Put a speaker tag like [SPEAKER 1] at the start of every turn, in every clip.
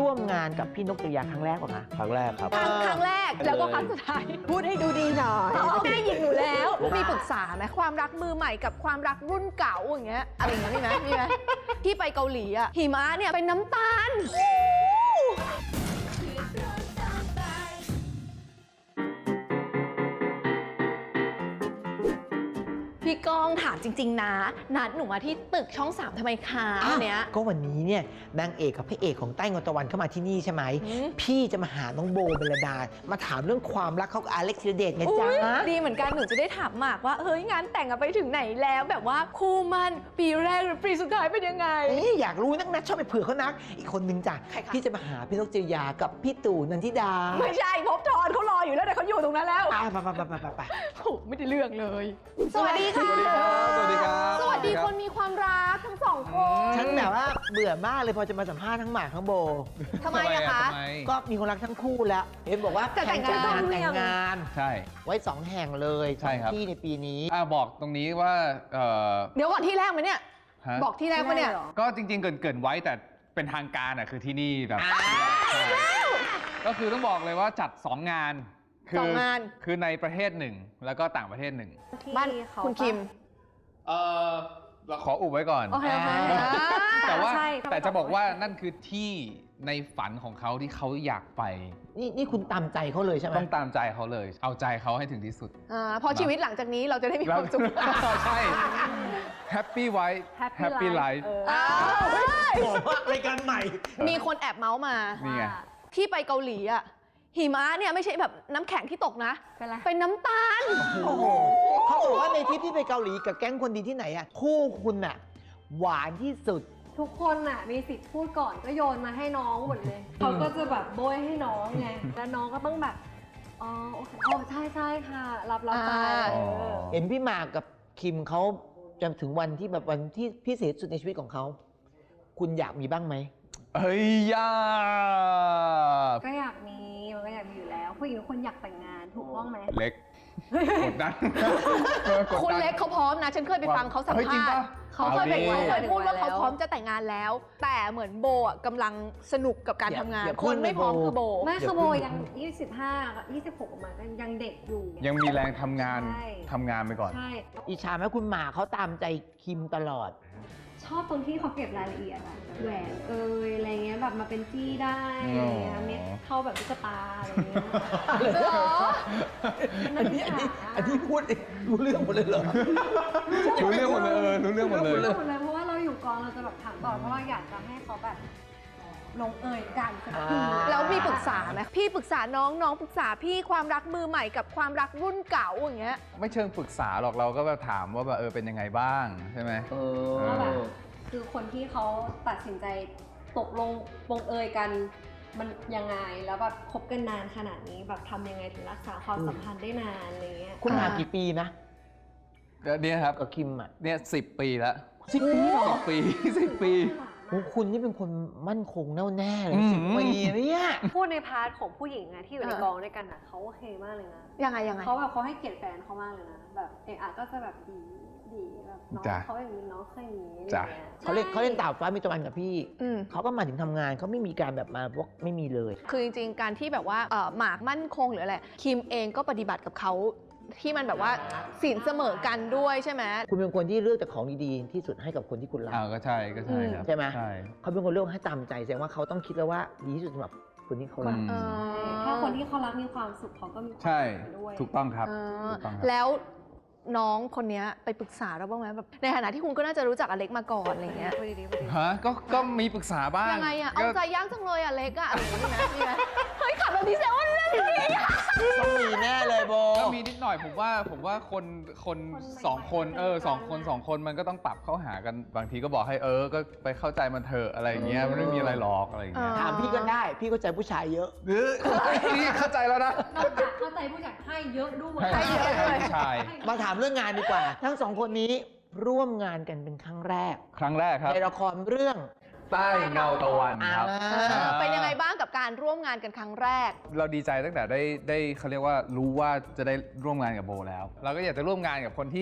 [SPEAKER 1] ร่วมงานกับพี่นกจริยาครั้งแรกป่ะคะ
[SPEAKER 2] ครั้งแรกครับ
[SPEAKER 3] ครั้งแรกแล้วก็ครั้งสุดท้าย
[SPEAKER 1] พูดให้ดูดีหน่อย
[SPEAKER 3] แม่หยิกหนูแล้ว มีปรึกษาไหมความรักมือใหม่กับความรักรุ่นเก่าอย่างเงี้ยอะไรอย่างเงี้ยมีไหมที่ไปเกาหลีอะหิมะเนี่ยเป็นน้ำตาลพี่ก้องถามจริงๆนะนัดหนูมาที่ตึกช่อง 3ทำไมคะวันเนี้ย
[SPEAKER 1] ก็วันนี้เนี่ยนางเอกกับพระเอกของใต้เงาตะวันเข้ามาที่นี่ใช่ไหมพี่จะมาหาน้องโบเบลดามาถามเรื่องความรักเขากับอเล็กธีรเดชไงจ๊ะ
[SPEAKER 3] ดีเหมือนกันหนูจะได้ถามหมากว่าเฮ้ยงานแต่งไปถึงไหนแล้วแบบว่าคู่มันปีแรกหรือปีสุดท้ายเป็นยังไง
[SPEAKER 1] อยากรู้นักชอบไปเผื่อเขานักอีกคนนึงจ้ะ
[SPEAKER 3] ใครคะ
[SPEAKER 1] พี่จะมาหาพี่นกจริยากับพี่ตู่นันทิดา
[SPEAKER 3] ไม่ใช่ภพบทรเขารออยู่แล้วแต่เขาอยู่ตรงนั้นแล้ว
[SPEAKER 1] ไป
[SPEAKER 3] โอ้ไม่ได้เรื่องเลย สวัสดีค่ะ
[SPEAKER 2] สวัสดีครับ
[SPEAKER 3] สวัสดีคนมีความรักทั้งสองคน
[SPEAKER 1] ฉันแบบว่าเบื่อมากเลยพอจะมาสัมภาษณ์ทั้งหมากทั้งโบ
[SPEAKER 3] ทำไมอะคะ
[SPEAKER 2] ทำไม
[SPEAKER 1] ก็มีคนรักทั้งคู่แล้วเห็นบอกว่า
[SPEAKER 3] จะแต่งงาน
[SPEAKER 1] แต่งงาน
[SPEAKER 2] ใช่
[SPEAKER 1] ไว้2 แห่งเลย
[SPEAKER 2] ใช่ครับ
[SPEAKER 1] ที่ในปีนี้
[SPEAKER 2] บอกตรงนี้ว่า
[SPEAKER 3] เดี๋ยวก่อนที่แรกไหมเนี่ย
[SPEAKER 2] ฮะ
[SPEAKER 3] บอกที่แรกปะเนี่ย
[SPEAKER 2] ก็จริงๆเกรินไว้แต่เป็นทางการอ่ะคือที่นี่แบบใช่ก็คือต้องบอกเลยว่าจัด 2 งาน
[SPEAKER 3] สองงาน
[SPEAKER 2] คือในประเทศหนึ่งแล้วก็ต่างประเทศหนึ่ง
[SPEAKER 3] บ้านคุณคิม
[SPEAKER 2] เราขออุบไว้ก่อน
[SPEAKER 3] โอเค
[SPEAKER 2] แต่ว่า
[SPEAKER 4] ใช่
[SPEAKER 2] แต่จะบอกว่านั่นคือที่ในฝันของเขาที่เขาอยากไป
[SPEAKER 1] นี่คุณตามใจเขาเลยใช่ไหม
[SPEAKER 2] ต้องตามใจเขาเลย เอาใจเขาให้ถึงที่สุด
[SPEAKER 3] พอชีวิตหลังจากนี้เราจะได้มีความสุข
[SPEAKER 2] ใช่ Happy Wife Happy Life
[SPEAKER 1] บอกว่ารายการใหม่
[SPEAKER 3] มีคนแอบเมาส์มา
[SPEAKER 2] นี่ไง
[SPEAKER 3] ที่ไปเกาหลีอะหิมะเนี่ยไม่ใช่แบบน้ำแข็งที่ตกนะ
[SPEAKER 4] เป็นไร
[SPEAKER 3] เป็นน้ำตาล
[SPEAKER 1] โอ้โหเขาบอกว่าในทริปที่ไปเกาหลีกับแก๊งคนดีที่ไหนอ่ะคู่คุณอ่ะหวานที่สุด
[SPEAKER 4] ทุกคนน่ะมีสิทธิ์พูดก่อนก็โยนมาให้น้องหมดเลย เขาก็จะแบบโบยให้น้องไง แล้วน้องก็ต้องแบบ อ๋อโอเคอ๋อใช่ใช่ค่ะ รับไป
[SPEAKER 2] อ๋อ
[SPEAKER 1] เห็นพี่หมากกับคิมเขาจนถึงวันที่แบบวันที่พิเศษสุดในชีวิตของเขาคุณอยากมีบ้างไหม
[SPEAKER 2] เฮ้ยยา
[SPEAKER 4] ก็อยากมีมันก็อยากมีอยู่แล้ว ผู้หญิงทุกคนอยากแต่งงานถูกต้องไหม
[SPEAKER 2] เล็กกดดันกดดัน
[SPEAKER 3] คุณเล็กเขาพร้อมนะ ฉันเคยไปฟังเขาสัม
[SPEAKER 2] เฮ้ยจริง
[SPEAKER 3] ภาษ
[SPEAKER 2] ปะ
[SPEAKER 3] ณ์เขาเคยไป
[SPEAKER 2] เอาดิ
[SPEAKER 3] เขาเคยพูดว่าเขาพร้อมจะแต่งงานแล้ว แต่เหมือนโบอ่ะกำลังสนุกกับการทำงาน คนไม่พร้อมคือโบ
[SPEAKER 4] ไม่คือโบยัง 25 26ออกมาก็ยังเด็กอยู่
[SPEAKER 2] ยังมีแรงทำงาน
[SPEAKER 4] ใช่
[SPEAKER 2] ทำงานไปก่อน
[SPEAKER 4] ใช่
[SPEAKER 1] อิจฉาไหมคุณหมากเขาตามใจคิมตลอด
[SPEAKER 4] ชอบตรงที่เขาเก็บรายละเอียดอะแหวนอะไรเงี้ยแบบมาเป็นจี้ได้อะไรเงี้ยเม็ดเข้าแบบตุ๊กตาอะไรเงี้ย
[SPEAKER 1] อันนี้พูดรู้เรื่องหมดเลยเหรอ
[SPEAKER 2] รู้เรื่องหมดเลยรู้เรื่องหมดเลย
[SPEAKER 4] รู้หมดเลยเพราะว่าเราอยู่กองเราจะแบบถามต่อเพราะเราอยากจะให้เขาแบบลงเอยกันสักที
[SPEAKER 3] แล้วมีปรึกษาไหมพี่ปรึกษาน้องน้องปรึกษาพี่ความรักมือใหม่กับความรักรุ่นเก่าอย่างเงี้ย
[SPEAKER 2] ไม่เชิงปรึกษาหรอกเราก็แบบถามว่าแบบเป็นยังไงบ้างใช่ไหม
[SPEAKER 4] ว่าแบบคือคนที่เขาตัดสินใจตกลงปงเอยกันมันยังไงแล้วแบบคบกันนานขนาดนี้แบบทำยังไงถึงรักษาความสัมพันธ์ได้นานอะไรเงี้ย
[SPEAKER 1] คุณหมากกี่ปีนะ
[SPEAKER 2] เนี่ยครับ
[SPEAKER 1] กับคิมอ่ะ
[SPEAKER 2] เนี่ย10 ปีแล้ว
[SPEAKER 1] 10 ปีเหรอ
[SPEAKER 2] 10 ปี 10 ปี
[SPEAKER 1] โอ้คุณนี่เป็นคนมั่นคงแน่วแน่เลย 10 ปีเนี่ย
[SPEAKER 4] พูดในพาร์ทของผู้หญิงอะที่อยู่ในกองด้วยกันอะเขาโอเคมากเลยนะ
[SPEAKER 3] ยังไง
[SPEAKER 4] เขาแบบเขาให้เกียรติแฟนเขามากเลยนะแบบเอะก็จะแบบดีแบบน้อง
[SPEAKER 2] จ้ะ
[SPEAKER 4] เขาอย่างนี้น้องเคยอย่างนี้
[SPEAKER 2] จ้ะ
[SPEAKER 4] อะไรงี้ย
[SPEAKER 1] เขาเล่นตาฟ้ามีตะวันกับพี่
[SPEAKER 3] อืม
[SPEAKER 1] เขาก็มาถึงทำงานเขาไม่มีการแบบมาพวกไม่มีเลย
[SPEAKER 3] คือจริงๆ การที่แบบว่าหมากมั่นคงหรืออะไรคิมเองก็ปฏิบัติกับเขาที่มันแบบว่าสินเสมอกันด้วยใช่ไหม
[SPEAKER 1] คุณเป็นคนที่เลือกแต่ของดีๆที่สุดให้กับคนที่คุณรัก
[SPEAKER 2] ก็ใช่ก็ใช่ครับ
[SPEAKER 1] ใช่ไหม
[SPEAKER 2] ใช่
[SPEAKER 1] เขาเป็นคนเลือกให้ตามใจแสดงว่าเขาต้องคิดแล้วว่าดีที่สุดสำหรับคนที่เขารัก
[SPEAKER 2] อืม
[SPEAKER 4] ถ้าคนที่เขารักมีความสุขเขาก็มีความ
[SPEAKER 2] ใช่
[SPEAKER 4] สุขด้วย
[SPEAKER 2] ถูกต้องครับ
[SPEAKER 3] เออ
[SPEAKER 2] ถูกต้องครับ
[SPEAKER 3] แล้วน้องคนเนี้ยไปปรึกษาเราบ้างไหมแบบในฐานะที่คุณก็น่าจะรู้จักอเล็กมาก่อนอะไรเงี้ย
[SPEAKER 4] พูดดีๆพูดดี
[SPEAKER 2] ฮะก็มีปรึกษาบ้าง
[SPEAKER 3] ยังไงอะเอา
[SPEAKER 2] ก็
[SPEAKER 3] ใจยากจังเลยอะเล็กอะอะไรอย่างเงี้ยมีไหมเฮ้ยขับแบบนี้แซวว่าเรื่องนี้อะ
[SPEAKER 1] ต้องมีแน่เลยโบ
[SPEAKER 2] ก็มีนิดหน่อยผมว่าคนสองคนสองคนมันก็ต้องปรับเข้าหากันบางทีก็บอกให้ก็ไปเข้าใจมันเถอะอะไรอย่างเงี้ยมันไม่มีอะไรหรอกอะไรอย่างเงี้ย
[SPEAKER 1] ถามพี่ก็ได้ พี่เข้าใจผู้ชายเยอะ
[SPEAKER 2] นี่เข้าใจแล้วนะ
[SPEAKER 4] ๆนอกจากเข้าใจผู้จัดให้เยอะด้วย
[SPEAKER 2] ให้เยอะเลยใช่
[SPEAKER 1] มาถามเรื่องงานดีกว่า ทั้งสองคนนี้ร่วมงานกันเป็นครั้งแรก
[SPEAKER 2] ครั้งแรกครับ
[SPEAKER 1] ในละครเรื่อง
[SPEAKER 2] ใต้เงาตะวันครับ
[SPEAKER 3] เป็นยังไงบ้างกับการร่วมงานกันครั้งแรก
[SPEAKER 2] เราดีใจตั้งแต่ได้เขาเรียกว่ารู้ว่าจะได้ร่วมงานกับโบแล้ว เราก็อยากจะร่วมงานกับคนที่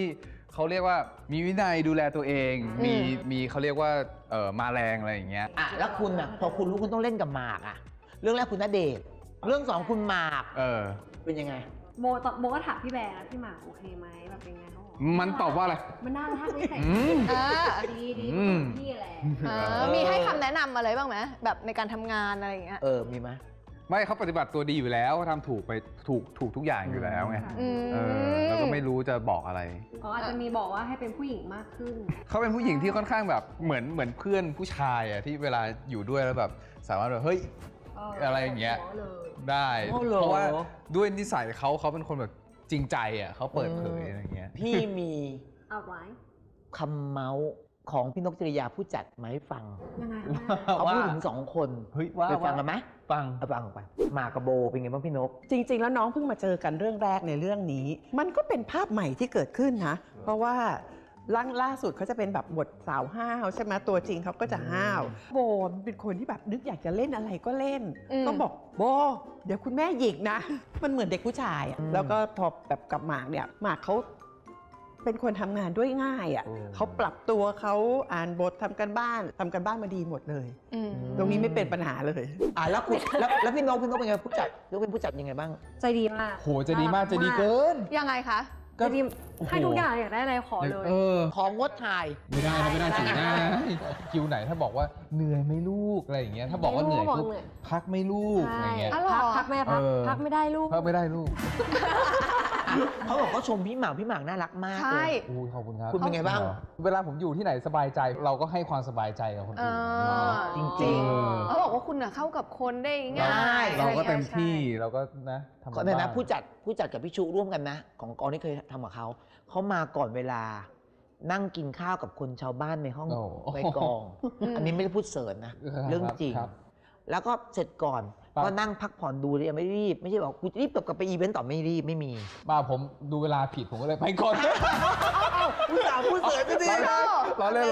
[SPEAKER 2] เขาเรียกว่ามีวินัยดูแลตัวเองมีเขาเรียกว่ามาแรงอะไรอย่างเงี้ย
[SPEAKER 1] อ่ะแล้วคุณอ่ะพอคุณรู้คุณต้องเล่นกับหมากอ่ะเรื่องแรกคุณณเดชน์เรื่องสองคุณหมาก เป็นยังไง
[SPEAKER 4] โบก็ถามพี่แบร์แล้วพี่หมากโอเคไหมแบบเป็นไงเขาบอก
[SPEAKER 2] มันตอบว่าอะไร
[SPEAKER 4] มันน่ารักนิสัย ดีพี่แหละ
[SPEAKER 3] มีให้คำแนะนำอะไรบ้างไหมแบบในการทำงานอะไรอย่างเงี้ย
[SPEAKER 1] มีไหม
[SPEAKER 2] ไม่เขาปฏิบัติตัวดีอยู่แล้วเขาทำถูกไปถูกทุกอย่างอยู่แล้วไง แล้วก็ไม่รู้จะบอกอะไร
[SPEAKER 4] อ๋ออาจจะมีบอกว่าให้เป็นผู้หญิงมากขึ้น
[SPEAKER 2] เขาเป็นผู้หญิงที่ค่อนข้างแบบเหมือนเพื่อนผู้ชายอะที่เวลาอยู่ด้วยแล้วแบบสามารถแบบเฮ้ยอะไรอย่างเงี้ยได้ เพราะว่าด้วยนิสัยเขาเป็นคนแบบจริงใจอะเขาเปิดเผยอะไรอย่างเงี้ย
[SPEAKER 1] พี่มี
[SPEAKER 4] เอาไว้
[SPEAKER 1] คำเมาส์ของพี่นกจริยาผู้จัดมาให้ฟัง
[SPEAKER 4] ยังไง
[SPEAKER 1] เขาพูดถึงสองคน
[SPEAKER 2] เฮ้ย
[SPEAKER 1] ไปฟังกันไหม
[SPEAKER 2] ฟัง
[SPEAKER 1] เอาฟังไปหมากกับโบเป็นไงบ้างพี่นก
[SPEAKER 5] จริง ๆ แล้วน้องเพิ่งมาเจอกันเรื่องแรกในเรื่องนี้ มันก็เป็นภาพใหม่ที่เกิดขึ้นนะ เพราะว่าล่าสุดเขาจะเป็นแบบบทสาวห้าวใช่ไหมตัวจริงเขาก็จะห้าวโบเป็นคนที่แบบนึกอยากจะเล่นอะไรก็เล่น ก็บอกโบเดี๋ยวคุณแม่หยิกนะ มันเหมือนเด็กผู้ชายอะแล้วก็พอแบบกับหมากเนี่ยหมากเขาเป็นคนทำงานด้วยง่ายอ่ะเขาปรับตัวเขาอ่านบททำกันบ้านมาดีหมดเลยตรงนี้ไม่เป็นปัญหาเลย
[SPEAKER 1] แล้วคุณแล้วพี่นกเป็นไงผู้จัดเป็นผู้จัดยังไงบ้าง
[SPEAKER 4] ใจดีมาก
[SPEAKER 2] โหจะดีมากจะดีเกิน
[SPEAKER 3] ยังไงคะ
[SPEAKER 4] ใจดีให้ทุกอย่างอยากได้อะไรขอเลย
[SPEAKER 1] ของงดถ่าย
[SPEAKER 2] ไม่ได้นะไม่ได้สิได้คิวไหนถ้าบอกว่าเหนื่อยไหม่ลูกอะไรอย่างเงี้ยถ้าบอกว่าเหนื่อยปุ๊บพักไม่ลูกอะไรเงี้ย
[SPEAKER 4] พักแม่พักไม่ได้ลูก
[SPEAKER 2] พักไม่ได้ลูก
[SPEAKER 1] เขาบอกเขาชมพี่หมากน่ารักมาก
[SPEAKER 3] ใช่
[SPEAKER 1] เลย
[SPEAKER 2] อู้ขอบคุณครับ
[SPEAKER 1] คุณเป็นไงบ้าง
[SPEAKER 2] เวลาผมอยู่ที่ไหนสบายใจเราก็ให้ความสบายใจกับคนอื่น
[SPEAKER 1] จริง
[SPEAKER 3] เขาบอกว่าคุณเข้ากับคนได้ง่าย
[SPEAKER 2] เราก็เต็มที่เราก็นะทำ
[SPEAKER 1] ขอในนะผู้จัดกับพี่ชูร่วมกันนะ ของกองที่เคยทำกับเขามาก่อนเวลานั่งกินข้าวกับคนชาวบ้านในห้องในกอง อันนี้ไม่ได้พูดเสริญนะ เรื่องจริง แล้วก็เสร็จก่อนก็นั่งพักผ่อนดูเลยไม่รีบไม่ใช่บอกกูรีบกลับไปอีเวนต์ต่อไม่รีบไม่มี
[SPEAKER 2] บ้าผมดูเวลาผิดผมก็เลยไปก่อน
[SPEAKER 1] ผู้สาวผู้เสริญก็ดี
[SPEAKER 2] เราเล่น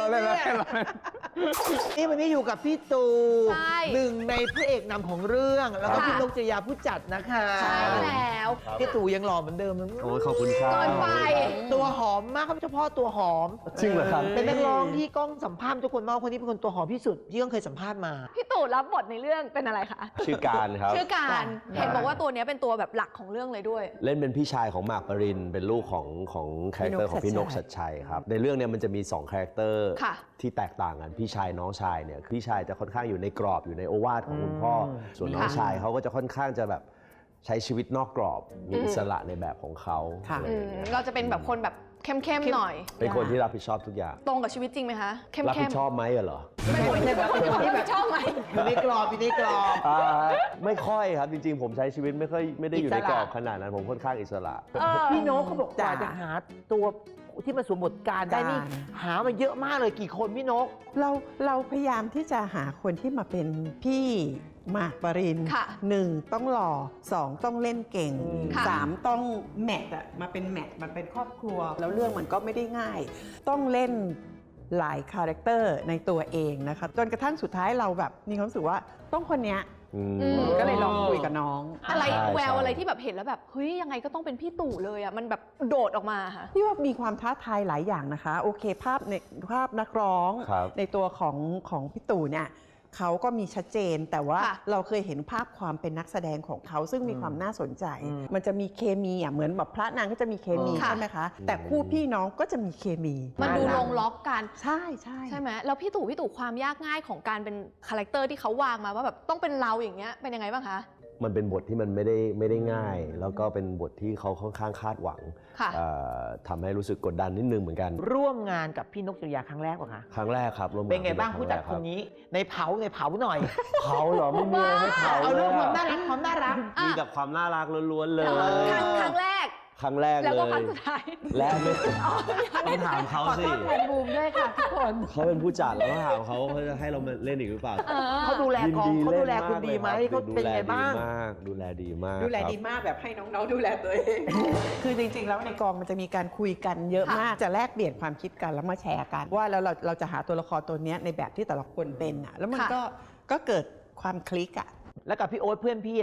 [SPEAKER 1] นี่วันนี้อยู่กับพี่ตู
[SPEAKER 3] ใช่
[SPEAKER 1] หนึ่งในพระเอกนำของเรื่องแล้วก็
[SPEAKER 3] ค่ะ
[SPEAKER 1] พี่นกจริยาผู้จัดนะคะ
[SPEAKER 3] ใช่แล้ว
[SPEAKER 1] พี่ตูยังหล่อเหมือนเดิมนะ
[SPEAKER 6] โอ้ยขอบคุณครับ
[SPEAKER 3] เกินไป
[SPEAKER 1] ตัวหอมมากครับเฉพาะตัวหอม
[SPEAKER 6] จริงเหรอครับ
[SPEAKER 1] เป็นนักร้องที่กล้องสัมภาษณ์ทุกคนมากคนนี้เป็นคนตัวหอมที่สุดที่ก้องเคยสัมภาษณ์มา
[SPEAKER 3] พี่ตู่รับบทในเรื่องเป็นอะไรคะ
[SPEAKER 6] ชื่อการครับ
[SPEAKER 3] ชื่อการเห็นบอกว่าตัวเนี้ยเป็นตัวแบบหลักของเรื่องเลยด้วย
[SPEAKER 6] เล่นเป็นพี่ชายของหมากปรินเป็นลูกของคาแรคเตอร์ของพี่นกชัดชัยครับในเรื่องเนี้ยมันจะมี2คาแรคเตอร์
[SPEAKER 3] ค่ะ
[SPEAKER 6] ที่แตกต่างกันพี่ชายน้องชายเนี่ยพี่ชายจะค่อนข้างอยู่ในกรอบอยู่ในโอวาทของคุณพ่อส่วนน้องชายเขาก็จะค่อนข้างจะแบบใช้ชีวิตนอกกรอบมีอิสระในแบบของเขา
[SPEAKER 5] ค่ะ
[SPEAKER 6] อะไรอย่างเงี้ย
[SPEAKER 3] เราจะเป็นแบบคนแบบเข้มๆหน่อย
[SPEAKER 6] เป็นคนที่รับผิดชอบทุกอย่าง
[SPEAKER 3] ตรงกับชีวิตจริงไหมคะเข้มๆ
[SPEAKER 6] รับผิดชอบไหมเหรอ
[SPEAKER 1] ไม่ใช่แบบเป็นคนที่แบบ
[SPEAKER 3] ชอบไหม
[SPEAKER 1] อยู่ในกรอบอยู่ในกรอบ
[SPEAKER 6] ไม่ค่อยครับจริงๆ ผมใช้ชีวิตไม่ได้อยู่ใน
[SPEAKER 1] อิสระ
[SPEAKER 6] กรอบขนาดนั้นผมค่อนข้างอิสระ
[SPEAKER 1] พี่โน้ตเขาบอกกว่า
[SPEAKER 5] จ้ะ
[SPEAKER 1] จะหาตัวที่มาสวมบทการได้นี่
[SPEAKER 5] จ้ะ
[SPEAKER 1] หามาเยอะมากเลยกี่คนพี่นก
[SPEAKER 5] เราพยายามที่จะหาคนที่มาเป็นพี่หมากปริน
[SPEAKER 3] ค่ะ
[SPEAKER 5] 1ต้องหล่อ2ต้องเล่นเก่ง
[SPEAKER 3] ค่ะ
[SPEAKER 5] 3ต้องแมทอะมาเป็นแมทมันเป็นครอบครัว แล้วเรื่องมันก็ไม่ได้ง่าย ต้องเล่นหลายคาแรคเตอร์ในตัวเองนะคะจนกระทั่งสุดท้ายเราแบบมีความรู้สึกว่าต้องคนเนี้ย ก็เลยลองคุยกับน้อง
[SPEAKER 3] อะไร
[SPEAKER 6] ใช่
[SPEAKER 3] แวว
[SPEAKER 6] ใช่
[SPEAKER 3] อะไรที่แบบเห็นแล้วแบบเฮ้ยยังไงก็ต้องเป็นพี่ตู่เลยอ่ะมันแบบโดดออกมาค่ะ
[SPEAKER 5] พี่ว่ามีความท้าทายหลายอย่างนะคะ โอเคภาพนักร้อง
[SPEAKER 6] ครับ
[SPEAKER 5] ในตัวของพี่ตู่เนี่ยเขาก็มีชัดเจน แต่ว่า
[SPEAKER 3] ค่ะ
[SPEAKER 5] เราเคยเห็นภาพความเป็นนักแสดงของเขาซึ่งมีความน่าสนใจ
[SPEAKER 1] อืม
[SPEAKER 5] มันจะมีเคมีอ่ะเหมือนแบบพระนางก็จะมีเคมี
[SPEAKER 3] ค่ะ
[SPEAKER 5] ใช่ไหมคะ แต่คู่พี่น้องก็จะมีเคมี
[SPEAKER 3] มันดูลงล็อกกัน
[SPEAKER 5] ใช่ใช่
[SPEAKER 3] ใช่ไหมแล้วพี่ตู่ความยากง่ายของการเป็นคาแรคเตอร์ที่เขาวางมาว่าแบบต้องเป็นเราอย่างเงี้ยเป็นยังไงบ้างคะ
[SPEAKER 6] มันเป็นบทที่มันไม่ได้ง่าย แล้วก็เป็นบทที่เขาค่อนข้างคาดหวัง
[SPEAKER 3] ค่ะ
[SPEAKER 6] ทำให้รู้สึกกดดันนิดนึงเหมือนกัน
[SPEAKER 1] ร่วมงานกับพี่นกจริยาครั้งแรกป่ะคะ
[SPEAKER 6] ครั้งแรกครับร่วม
[SPEAKER 1] เป็นไงบ้าง
[SPEAKER 6] ครั้
[SPEAKER 1] ผู้จัด
[SPEAKER 6] แรก
[SPEAKER 1] คนนี้ในเผาหน่อย
[SPEAKER 6] เผาเหรอไม่มีอะไรให้เผา
[SPEAKER 1] เอา
[SPEAKER 6] เล
[SPEAKER 1] เรื่อง
[SPEAKER 6] ย
[SPEAKER 1] ความ
[SPEAKER 6] อะ
[SPEAKER 1] น่ารักความน่ารัก
[SPEAKER 6] มีแต่ความน่ารักล้วนๆเลย
[SPEAKER 3] ครั้งแรก
[SPEAKER 6] ครั้งแรก
[SPEAKER 3] แล้ว
[SPEAKER 6] เล
[SPEAKER 3] ก็ครั้
[SPEAKER 6] ย
[SPEAKER 3] งสุดท้าย
[SPEAKER 6] และไม่ต้องถามเขาสิ
[SPEAKER 3] บูมด้วยค่ะทุกคน
[SPEAKER 6] เขาเป็นผู้จัดแล้วก็ถามเขาจะให้เรามาเล่นอีกหรือเปล่า
[SPEAKER 1] เขาดูแลกองเขาดูแลคุณดีไหม
[SPEAKER 6] ล่น
[SPEAKER 1] เขาเป็นไงบ้าง
[SPEAKER 6] ดูแลดีมาก
[SPEAKER 5] ดูแล
[SPEAKER 6] ครับ
[SPEAKER 5] ดีมากแบบให้น้องๆดูแลตัวเอง คือจริงๆ แล้วในกองมันจะมีการคุยกันเยอะมาก จะแลกเปลี่ยนความคิดกันแล้วมาแชร์กัน ว่าแล้วเราจะหาตัวละครตัวเนี้ยในแบบที่แต่ละคนเป็นอ่ะแล้วมัน
[SPEAKER 3] ค่ะ
[SPEAKER 5] ก็เกิดความคลิกอ่ะ
[SPEAKER 1] แล้วกับพี่โอ๊ตเพื่อนพี่อ่ะ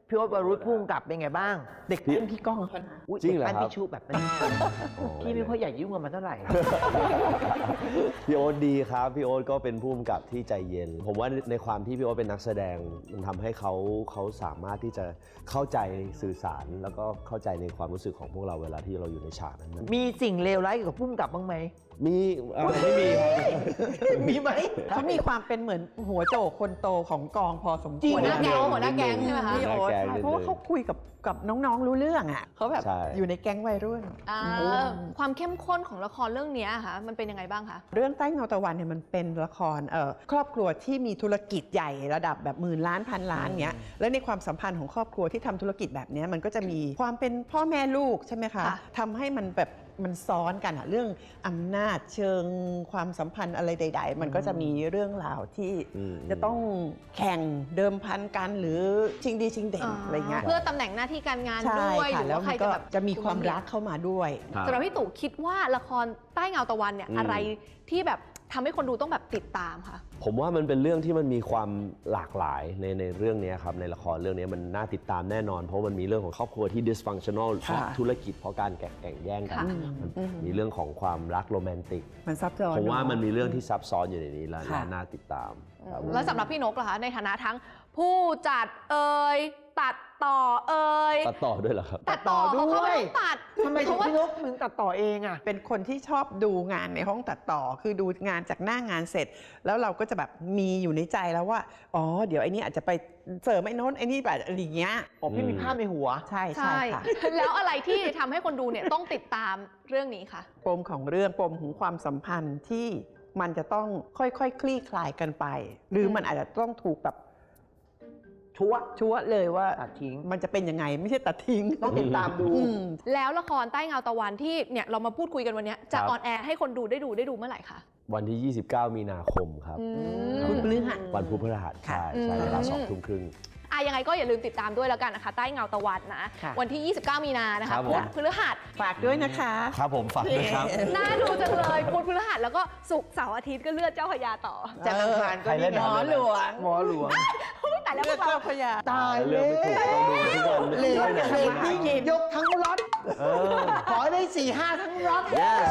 [SPEAKER 1] พี่โอ๊ตวรุษพุ่งกลับเป็นไงบ้าง
[SPEAKER 5] เด็กเล่นพี่ก้องเขานะ
[SPEAKER 1] อุ๊ย
[SPEAKER 6] จริงเหรอ
[SPEAKER 1] ด็กปั้น
[SPEAKER 6] ครับ
[SPEAKER 1] พี่ชุแบบนั้นพี่ไม่ค่อยอยากยุ่งกับมันเท่าไหร่
[SPEAKER 6] พี่โอ๊ตดีครับ พี่โอ๊ตก็เป็นผู้กำกับที่ใจเย็น ผมว่าในความที่พี่โอ๊ตเป็นนักแสดงมันทำให้เขาสามารถที่จะเข้าใจสื่อสาร แล้วก็เข้าใจในความรู้สึกของพวกเราเวลาที่เราอยู่ในฉากนั้น
[SPEAKER 1] มีสิ่งเลวร้ายเกี่ยวกับพุ่งกลับบ้างไหม
[SPEAKER 6] มีไม่มีครับ
[SPEAKER 1] มีไหม
[SPEAKER 5] เขามีความเป็นเหมือนหัวโจกคนโตของกองพอสมควร
[SPEAKER 1] จริง
[SPEAKER 3] หัวหน้าแก๊งหัวหน้าแก๊งใช่ไหมคะ
[SPEAKER 5] พี่โอ๊ต
[SPEAKER 6] หัวหน้าแก๊ง
[SPEAKER 5] ใช่เพราะว่าเขาคุยกับน้องๆรู้เรื่องอ่ะเขาแบบ
[SPEAKER 6] ใช่
[SPEAKER 5] อยู่ในแก๊งวัยรุ่น
[SPEAKER 3] ความเข้มข้นของละครเรื่องนี้ค่ะมันเป็นยังไงบ้างคะ
[SPEAKER 5] เรื่องใต้เงาตะวันเนี่ยมันเป็นละครครอบครัวที่มีธุรกิจใหญ่ระดับแบบหมื่นล้านพันล้านเงี้ยแล้วในความสัมพันธ์ของครอบครัวที่ทำธุรกิจแบบเนี้ยมันก็จะมีความเป็นพ่อแม่ลูกใช่ไหมคะ
[SPEAKER 3] ค่ะ
[SPEAKER 5] ทำให้มันแบบมันซ้อนกันอะเรื่องอำนาจเชิงความสัมพันธ์อะไรใด ๆ มันก็จะมีเรื่องราวที่จะต้องแข่งเดิมพันกันหรือชิงดีชิงเด่นอะไรเงี้ย
[SPEAKER 3] เพื่อตำแหน่งหน้าที่การงาน
[SPEAKER 5] ใช่
[SPEAKER 3] ด้วยห
[SPEAKER 5] ค่ะ
[SPEAKER 3] รือ
[SPEAKER 5] แล้ว
[SPEAKER 3] ว่าใค
[SPEAKER 5] มั
[SPEAKER 3] ร
[SPEAKER 5] นก็
[SPEAKER 3] จะแบบ
[SPEAKER 5] จะมีความรักเข้ามาด้วย
[SPEAKER 6] ครับ
[SPEAKER 3] สำหรับพี่ตู่คิดว่าละครใต้เงาตะวันเนี่ยอะไรที่แบบทำให้คนดูต้องแบบติดตามคะ
[SPEAKER 6] ผมว่ามันเป็นเรื่องที่มันมีความหลากหลายในเรื่องนี้ครับในละครเรื่องนี้มันน่าติดตามแน่นอน เพราะมันมีเรื่องของครอบครัวที่ dysfunctional เพ
[SPEAKER 5] ค่ะ
[SPEAKER 6] ราะธุรกิจเพราะการแข่งแย่งกัน
[SPEAKER 3] ค่ะ
[SPEAKER 6] มันมีเรื่องของความรักโรแมนติก
[SPEAKER 5] มันซับซ้อน
[SPEAKER 6] ผมว่า
[SPEAKER 5] เอะ
[SPEAKER 6] มันมีเรื่องที่ซับซ้อนอยู่ในนี้แล้ว
[SPEAKER 5] ค่ะ
[SPEAKER 6] น่าติดตามครับ
[SPEAKER 3] แล้วสำหรับพี่นกล่ะคะในฐานะทั้งผู้จัดตัดต่อ
[SPEAKER 6] ตัดต่อด้วยเหรอครับ
[SPEAKER 1] ตัดต่อด้วย
[SPEAKER 3] เขาไม่ต้องตัด
[SPEAKER 1] ทำไมถึงพี่นกถึงตัดต่อเองอ่ะ
[SPEAKER 5] เป็นคนที่ชอบดูงานในห้องตัดต่อ คือดูงานจากหน้างานเสร็จ แล้วเราก็จะแบบมีอยู่ในใจแล้วว่า อ๋อ เดี๋ยวไอ้นี่อาจจะไปเสริมไอ้โน้นไอ้นี่แบบอะไรอย่างเงี้ย
[SPEAKER 1] อ๋อพี่มีภาพในหัว
[SPEAKER 5] ใช่
[SPEAKER 3] ใช่
[SPEAKER 5] ค่ะ
[SPEAKER 3] แล้วอะไรที่ทำให้คนดูเนี่ยต้องติดตามเรื่องนี้คะ
[SPEAKER 5] ปมของเรื่องปมของความสัมพันธ์ที่มันจะต้องค่อยๆคลี่คลายกันไป หรือมันอาจจะต้องถูกแบบชัวร์เลยว่า
[SPEAKER 1] ตัดทิ้ง
[SPEAKER 5] มันจะเป็นยังไงไม่ใช่ตัดทิ้ง
[SPEAKER 1] ต้องติดตามดู
[SPEAKER 5] อืม
[SPEAKER 3] แล้วละครใต้เงาตะวันที่เนี่ยเรามาพูดคุยกันวันเนี้ยจะ
[SPEAKER 6] ครับ
[SPEAKER 3] ออนแอร์ให้คนดูได้ดูเมื่อไหร่คะ
[SPEAKER 6] วันที่ 29 มีนาคมครับ
[SPEAKER 3] อืม
[SPEAKER 5] พุธพฤหัส
[SPEAKER 6] วันพุธพฤหัส
[SPEAKER 5] ค่ะ
[SPEAKER 6] ใช่เวลา
[SPEAKER 3] อืม
[SPEAKER 6] 2 ทุ่มครึ่ง
[SPEAKER 3] ยังไงก็อย่าลืมติดตามด้วยแล้วกันนะคะใต้เงาตะวันนะ
[SPEAKER 5] ค่ะ
[SPEAKER 3] วันที่ 29 มีนานะ
[SPEAKER 6] ครั
[SPEAKER 3] คะ
[SPEAKER 6] บผม
[SPEAKER 3] พุธพฤหัส
[SPEAKER 5] ฝากด้วยนะคะ
[SPEAKER 6] ครับผมฝากด้วยครับ
[SPEAKER 3] น่าดูจังเลยพุธพฤหัสแล้วก็ศุกร์เสาร์อาทิตย์ก็เลือดเจ้าพระยาต่อ
[SPEAKER 1] จันทร์อังคารก็
[SPEAKER 6] ใครเล่น
[SPEAKER 1] นี่
[SPEAKER 5] หมอหลวง
[SPEAKER 1] หมอหลวง
[SPEAKER 3] แต่แล้วพ
[SPEAKER 5] เลื
[SPEAKER 3] ว
[SPEAKER 5] อก ด
[SPEAKER 3] เรา
[SPEAKER 5] เจ้าพระยา
[SPEAKER 1] ตาย
[SPEAKER 6] เลื
[SPEAKER 1] เล
[SPEAKER 6] อก
[SPEAKER 1] ย
[SPEAKER 6] ไม่ถูกต้องดูทุกวัน
[SPEAKER 1] เหลือ
[SPEAKER 6] ไม่
[SPEAKER 1] เร
[SPEAKER 6] ได้
[SPEAKER 1] ตติ้งยกทั้งล็อตขอได้ 4-5 ทั้งล็อต
[SPEAKER 6] Yes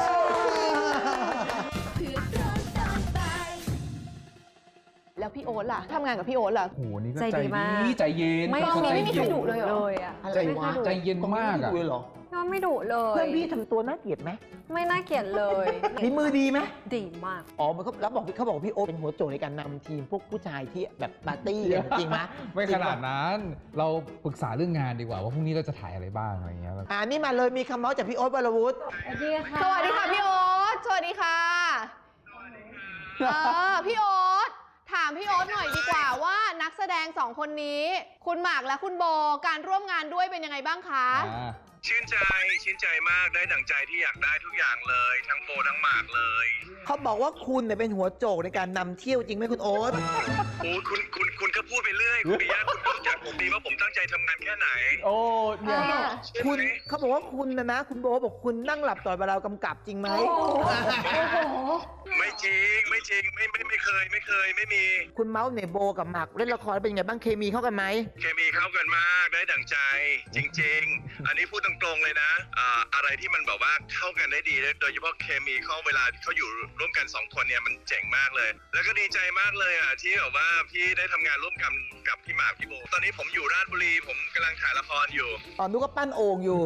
[SPEAKER 3] แล้วพี่โอ๊ตล่ะทำงานกับพี่โอ๊ตล่ะ
[SPEAKER 2] โอ้โหนี่ก็
[SPEAKER 4] ใจดีมาก
[SPEAKER 2] ใจเย็น
[SPEAKER 4] ไม่
[SPEAKER 3] กองนี้ไม่มีใครดุเลยเหรอ
[SPEAKER 4] เลยอ่ะ
[SPEAKER 1] อะไรวะ
[SPEAKER 2] ใจเย็นมากอะ
[SPEAKER 1] ไม่ดุเลยเหรอ
[SPEAKER 4] ก็ไม่ดุเลย
[SPEAKER 1] เพื่อนพี่ทำตัวน่าเกลียดไหม
[SPEAKER 4] ไม่น่าเกลียดเลย
[SPEAKER 1] ฝีมือดีไหม
[SPEAKER 4] ดีมาก
[SPEAKER 1] อ๋อมันเขาบอกพี่โอ๊ตเป็นหัวโจกในการนำทีมพวกผู้ชายที่แบบปาร์ตี้กันจริงไหม
[SPEAKER 2] ไม่ขนาดนั้น เราปรึกษาเรื่องงานดีกว่าว่าพรุ่งนี้เราจะถ่ายอะไรบ้างอะไรอย่างเงี้ยแบบ
[SPEAKER 1] นี่มาเลยมีคำเมาส์จากพี่โอ๊ตวรวุฒิ
[SPEAKER 4] สวัสดีค่ะ
[SPEAKER 3] สวัสดีค่ะพี่โอ๊ตสวัสดีค่ะพี่โอ๊ตถามพี่โอ๊ตหน่อยดีกว่าว่านักแสดงสองคนนี้ คุณหมากและคุณโบการร่วมงานด้วยเป็นยังไงบ้างคะ
[SPEAKER 7] ชื่นใจมากได้ดั่งใจที่อยากได้ทุกอย่างเลย ทั้งโบทั้งหมากเลย
[SPEAKER 1] เขาบอกว่าคุณเนี่ยเป็นหัวโจกในการนำเที่ยวจริงไหมคุณโอ๊ต
[SPEAKER 7] โอ้คุณก็พูดไปเรื่อยคุณปิยะคุณก็รู้จักผมดีว่าผมตั้งใจทำงานแค่ไหน
[SPEAKER 2] โอ้เนี่ย
[SPEAKER 7] ใช่ไหม
[SPEAKER 1] คุณเขาบอกว่าคุณนะคุณโบบอกคุณนั่งหลับต่อยเวลากำกับจริงไหม
[SPEAKER 7] ไม่จริงไม่เคยไม่มี
[SPEAKER 1] คุณเมาส์เนี่ยโบกับหมากเล่นละครเป็นไงบ้างเคมีเข้ากันไหม
[SPEAKER 7] เคมีเข้ากันมากได้ดั่งใจจริง ๆ อันนี้พูดตรงๆเลยนะอะไรที่มันแบบว่าเข้ากันได้ดีโดยเฉพาะเคมีเข้าเวลาที่เขาอยู่ร่วมกัน2คนเนี่ยมันเจ๋งมากเลย แล้วก็ดีใจมากเลยอ่ะที่แบบว่าพี่ได้ทำงานร่วมกันกับพี่หมากพี่โบตอนนี้ผมอยู่ราชบุรีผมกำลังถ่ายละครอยู่
[SPEAKER 1] นุกก็ปั้นโอ่งอยู่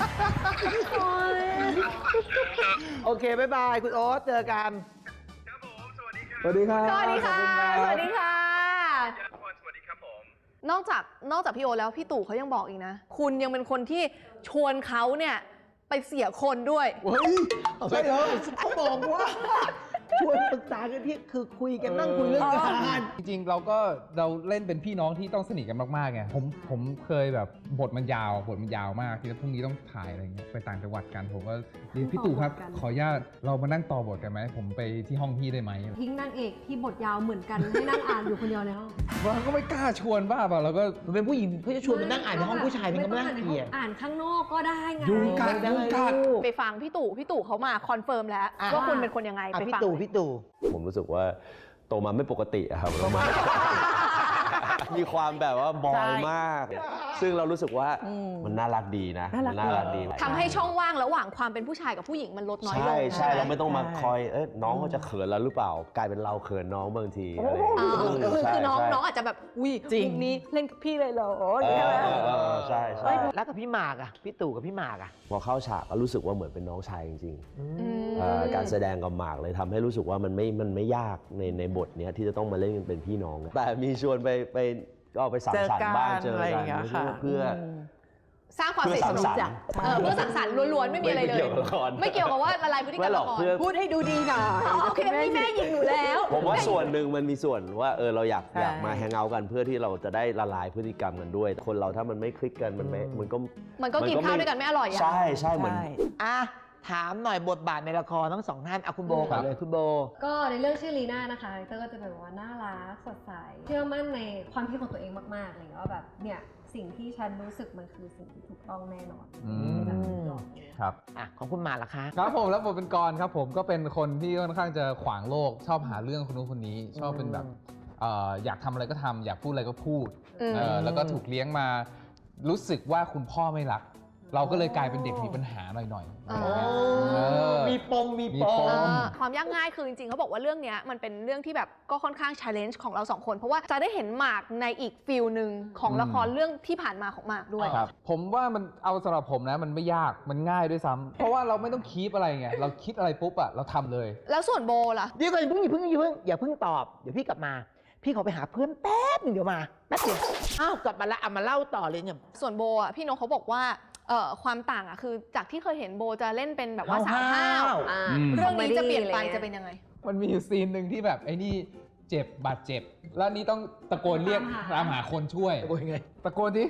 [SPEAKER 1] โอเคบ๊ายบายคุณโอ๊ตเจอกัน
[SPEAKER 7] ครับผมสวัสดีครับ
[SPEAKER 2] สวัสดีครับ
[SPEAKER 3] สวัสดีค่ะ สวัสดีค่ะ
[SPEAKER 7] สวัสดีครับผม
[SPEAKER 3] นอกจากพี่โอ๊ตแล้วพี่ตู่เขายังบอกอีกนะ คุณยังเป็นคนที่ชวนเขาเนี่ยไปเสียคนด้วย
[SPEAKER 1] เฮ้ยใช่เลยเขาบอกว่าชวนปรึกษากันที่คือคุยกันนั่งคุยเรื่องงาน
[SPEAKER 2] จริงๆเราเล่นเป็นพี่น้องที่ต้องสนิทกันมากๆไงผมเคยแบบบทมันยาวมากที่พรุ่งนี้ต้องถ่ายอะไรเงี้ยไปต่างจังหวัดกันผมก็เรียนพี่ตู่ครับขออนุญาตเรามานั่งต่อบทกันไหมผมไปที่ห้องพี่ได้ไหม
[SPEAKER 4] ทิ้งนางเอกที่บทยาวเหมือนกันให้นั่งอ่านอยู่คนเดียวในห้อง
[SPEAKER 2] เราก็ไม่กล้าชวนบ้าเปล่าเราก็
[SPEAKER 1] มันเป็นผู้หญิงเขาจะชวนไปนั่งอ่านในห้องผู้ชายมันก็ไม่น่าเกลียด
[SPEAKER 4] อ่านข้างนอกก็ได้ไง
[SPEAKER 2] ยุงกัด
[SPEAKER 3] ไปฟังพี่ตู่เขามาคอนเฟิร์มแล้ว
[SPEAKER 1] อ่ะ
[SPEAKER 3] ว่าคุณเป็นคนยังไงไป
[SPEAKER 1] พี่
[SPEAKER 3] ฟัง
[SPEAKER 1] ตู่
[SPEAKER 3] เลย
[SPEAKER 1] พี่ตู่
[SPEAKER 6] ผมรู้สึกว่าโตมาไม่ปกติอะครับ มีความแบบว่าบอยมากซึ่งเรารู้สึกว่ามันน่ารักดีนะ
[SPEAKER 5] น่ารัก
[SPEAKER 6] ดี
[SPEAKER 3] ทำให้ช่องว่างระหว่างความเป็นผู้ชายกับผู้หญิงมันลดน้อยลง
[SPEAKER 6] ใช่เราไม่ต้องมาคอยน้องเขาจะเขินแล้วหรือเปล่ากลายเป็นเราเขินน้องบางทีอะไรอย่างเงี้ย
[SPEAKER 3] คือน้อง
[SPEAKER 6] ใช่
[SPEAKER 3] น้องอาจจะแบบอุ้ย
[SPEAKER 5] จริง
[SPEAKER 3] มุกนี้เล่นกับพี่เลยเหรออย่างเงี้ยใช่ไหม
[SPEAKER 6] ใช่
[SPEAKER 1] แล้วกับพี่หมากอะพี่ตู่กับพี่หมากอะ
[SPEAKER 6] พอเข้าฉากก็รู้สึกว่าเหมือนเป็นน้องชายจริง
[SPEAKER 3] ม
[SPEAKER 6] การแสดงกับหมากเลยทำให้รู้สึกว่ามันไม่ยากในบทเนี้ยที่จะต้องมาเล่นกันเป็นพี่น้อง แต่มีชวนไปก็ไปสังสรรค์บ้างเจอ
[SPEAKER 5] อะไรอ
[SPEAKER 6] กั
[SPEAKER 5] ย่างเงี้ยค่ะ
[SPEAKER 6] เพื่อ
[SPEAKER 3] สร้างความสนิทสนมเพื่อสังสรรค์ล้วนๆไม่มีอะไรเลย ไม่เกี่ยวกับว่าละลายพฤติกรรมละคร
[SPEAKER 5] พูดให้ดูดีหน่อย
[SPEAKER 3] โอเคนี่แม่ยิงหนูแล้ว
[SPEAKER 6] ผมว่าส่วนหนึ่งมันมีส่วนว่าเราอยากมาแฮงเอาท์กันเพื่อที่เราจะได้ละลายพฤติกรรมกันด้วย คนเราถ้ามันไม่คลิกกันมันก็
[SPEAKER 3] กินข้าวด้วยกันไม่อร่อยอ่ะ
[SPEAKER 6] ใช่เหมือน
[SPEAKER 1] อ่ะถามหน่อยบทบาทในละครทั้งสองท่านเอาคุณโบก่อนเลยคุณโบ
[SPEAKER 4] ก็ในเรื่องชื่อลีน่านะคะเตอร์ก็จะแบบว่าน่ารักสดใสเชื่อมั่นในความคิดของตัวเองมากๆอะไรอย่างเงี้ยว่าแบบเนี่ยสิ่งที่ฉันรู้สึกมันคือสิ่งที่ถูกต้องแน่นอนแบบหลอก
[SPEAKER 2] ครับ
[SPEAKER 1] อ่ะของคุณหมากล่ะคะ
[SPEAKER 2] ครับผมแล้วผมเป็นกรครับผมก็เป็นคนที่ค่อนข้างจะขวางโลกชอบหาเรื่องคนนู้นคนนี้ชอบเป็นแบบอยากทำอะไรก็ทำอยากพูดอะไรก็พูดแล้วก็ถูกเลี้ยงมารู้สึกว่าคุณพ่อไม่รัก เราก็เลยกลายเป็นเด็กมีปัญหาหน่อยๆ
[SPEAKER 1] มีปม
[SPEAKER 3] ความยากง่ายคือจริงๆเขาบอกว่าเรื่องนี้มันเป็นเรื่องที่แบบก็ค่อนข้าง challenge ของเราสองคนเพราะว่าจะได้เห็นหมากในอีกฟิลหนึ่งของละครเรื่องที่ผ่านมาของหมากด้วย
[SPEAKER 2] ครับผมว่ามันเอาสำหรับผมนะมันไม่ยากมันง่ายด้วยซ้ำเพราะว่าเราไม่ต้องคีปอะไรไงเราคิดอะไรปุ๊บอะเราทำเลย
[SPEAKER 3] แล้วส่วนโบล่ะ
[SPEAKER 1] เดี๋ยวก่อนอย่าเพิ่งตอบเดี๋ยวพี่กลับมา พี่ขอไปหาเพื่อนแป๊บนึงเดี๋ยวมาแป๊บเดียวอ้าวกลับมาละเอามาเล่าต่อเลยเนี่ย
[SPEAKER 3] ส่วนโบอ่ะพี่นกเขาบอกว่าความต่างอ่ะคือจากที่เคยเห็นโบจะเล่นเป็นแบบว่าสาวห้าว เรื่องนี้จะเปลี่ยนไปจะเป็นยังไง
[SPEAKER 2] มันมีอยู่ซีนหนึ่งที่แบบไอ้นี่เจ็บบาดเจ็บ แล้วนี่ต้องตะโกนเรียกตามหาคนช่วย
[SPEAKER 1] โอ้ยไง
[SPEAKER 2] ตะโกนดิ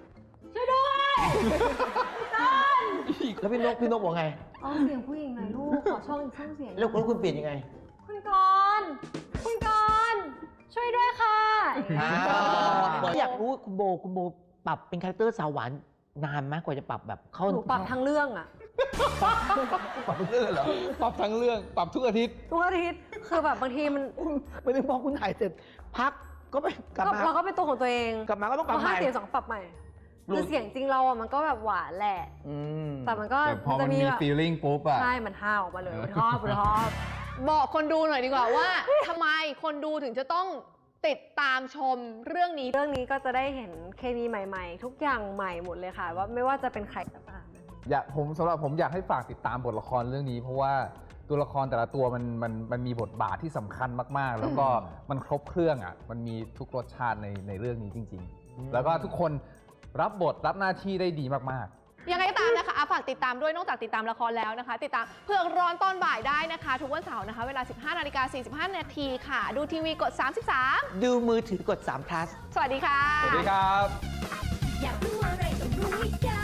[SPEAKER 1] แล้วพี่นกบอกไง
[SPEAKER 4] อ๋อเสียงผู้หญิงหน่อยลูกขอช่องอีกช่องเสียง
[SPEAKER 1] แล้วคุณเปลี่ยนยังไง
[SPEAKER 4] คุณกรณ์ช่วยด้วยค่ะ
[SPEAKER 1] อยากรู้คุณโบปรับเป็นคาแรคเตอร์สาวหวานนานไหมกว่าจะปรับแบบเข้า
[SPEAKER 4] หนูปรับทั้งเรื่องอะ
[SPEAKER 1] ปรับเป็นเรื่องเหรอ
[SPEAKER 2] ปรับทั้งเรื่องปรับทุกอาทิตย์
[SPEAKER 4] ทุกอาทิตย์คือแบบบางทีมัน
[SPEAKER 1] ไม่ได้พอคุณถ่ายเสร็จพักก็ไปกลับมา
[SPEAKER 4] เราก็เป็นตัวของตัวเอง
[SPEAKER 1] กลับมาก็ต้องกลับ
[SPEAKER 4] พอ
[SPEAKER 1] ใหม่
[SPEAKER 4] 5 เสียง 2 ปรับใหม่คือเสียงจริงเราอะมันก็แบบหวานแหละ แต่มันก็
[SPEAKER 2] แต่พอมันมี
[SPEAKER 4] แบบ
[SPEAKER 2] feeling ปุ๊บอะ
[SPEAKER 4] ใช่มันห้าวออกมาเลยชอบ
[SPEAKER 3] บอกคนดูหน่อยดีกว่าว่า ทำไมคนดูถึงจะต้องติดตามชมเรื่องนี้
[SPEAKER 4] เรื่องนี้ก็จะได้เห็นเคมีใหม่ๆ ทุกอย่างใหม่หมดเลยค่ะว่าไม่ว่าจะเป็นใครก็ตาม
[SPEAKER 2] สำหรับผมอยากให้ฝากติดตามบทละครเรื่องนี้ เพราะว่าตัวละครแต่ละตัวมันมีบทบาทที่สำคัญมากๆ แล้วก็มันครบเครื่องอ่ะมันมีทุกรสชาติในเรื่องนี้จริงๆ แล้วก็ทุกคนรับบทรับหน้าที่ได้ดีมากๆ
[SPEAKER 3] ยังไงก็ตามนะคะฝากติดตามด้วยนอกจากติดตามละครแล้วนะคะ ติดตามเผือกร้อนตอนบ่ายได้นะคะ ทุกวันเสาร์นะคะ เวลา 15:45 นาทีค่ะ ดูทีวีกด 33
[SPEAKER 1] ดูมือถือกด3 plus
[SPEAKER 3] สวัสดีค่ะ
[SPEAKER 2] สวัสดีครับ